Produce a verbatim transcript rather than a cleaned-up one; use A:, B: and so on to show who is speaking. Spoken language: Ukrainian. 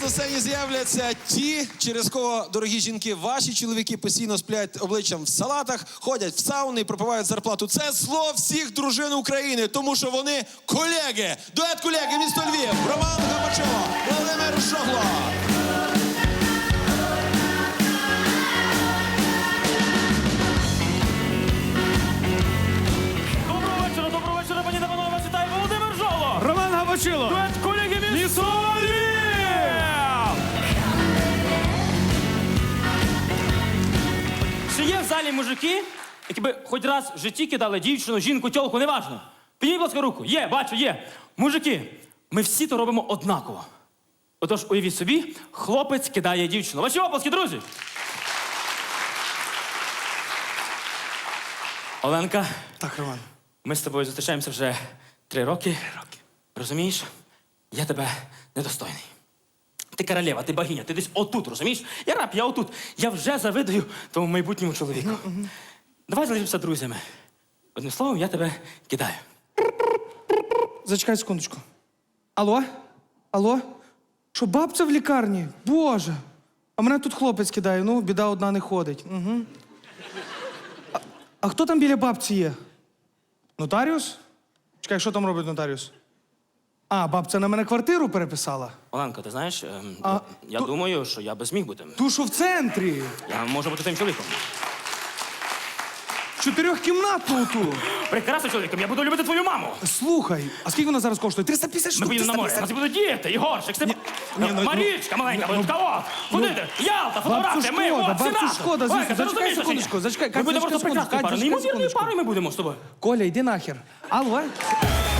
A: на сцені з'являться ті, через кого, дорогі жінки, ваші чоловіки постійно сплять обличчям в салатах, ходять в сауни і пропивають зарплату. Це зло всіх дружин України, тому що вони колеги. Дует колеги, місто Львів, Роман Габачило, Володимир Жогло.
B: Доброго вечора, доброго вечора, пані та панове, вас вітає Володимир Жогло.
C: Роман Габачило.
B: Дует колеги місто Львів. Чи є в залі мужики, які би хоч раз в житті кидали дівчину, жінку, тьолку, неважно? Підніміть, будь ласка, руку. Є, бачу, є. Мужики, ми всі то робимо однаково. Отож, уявіть собі, хлопець кидає дівчину. Ваші оплески, друзі! Оленка,
C: Так, Роман.
B: ми з тобою зустрічаємося вже три роки. Три роки. Розумієш? Я тебе недостойний. Ти королева, ти богиня, ти десь отут, розумієш? Я раб, я отут. Я вже завидую тому майбутньому чоловіку. Uh-huh, uh-huh. Давай залишимося друзями. Одним словом, я тебе кидаю.
C: Зачекай секундочку. Алло? Алло? Що, бабця в лікарні? Боже. А мене тут хлопець кидає. Ну, біда одна не ходить. Угу. А, а хто там біля бабці є? Нотаріус? Чекай, що там робить нотаріус? А, бабця на мене квартиру переписала.
B: Оленко, ти знаєш, ем,
C: А,
B: я
C: ту-
B: думаю, що я би зміг бути.
C: Ту, що в центрі.
B: Я можу бути тим чоловіком.
C: Чотирьохкімнатну ту.
B: Прекрасним чоловіком, я буду любити твою маму.
C: Слухай, а скільки вона зараз коштує? триста п'ятдесят
B: Ми
C: штук.
B: поїдемо на море, у нас будуть діти, Ігорчик, Степ...
C: ні, ну, ну,
B: Марічка маленька, ну, кого? Куди ти? Ялта,
C: Бабцю
B: фотографія, ми,
C: шкода,
B: от, всі
C: бабцю
B: разом.
C: шкода, звісно.
B: Оленка, ти
C: Зачекай
B: розумієш,
C: секундочку,
B: чи ні?
C: зачекай,
B: Ми
C: Катя,
B: будемо
C: зачекай
B: просто прекрасною
C: секундочку,
B: парою,
C: Катя,
B: неймовірною
C: секундочку.
B: парою ми будемо з тобою.
C: Коля, йди нахер. Алло?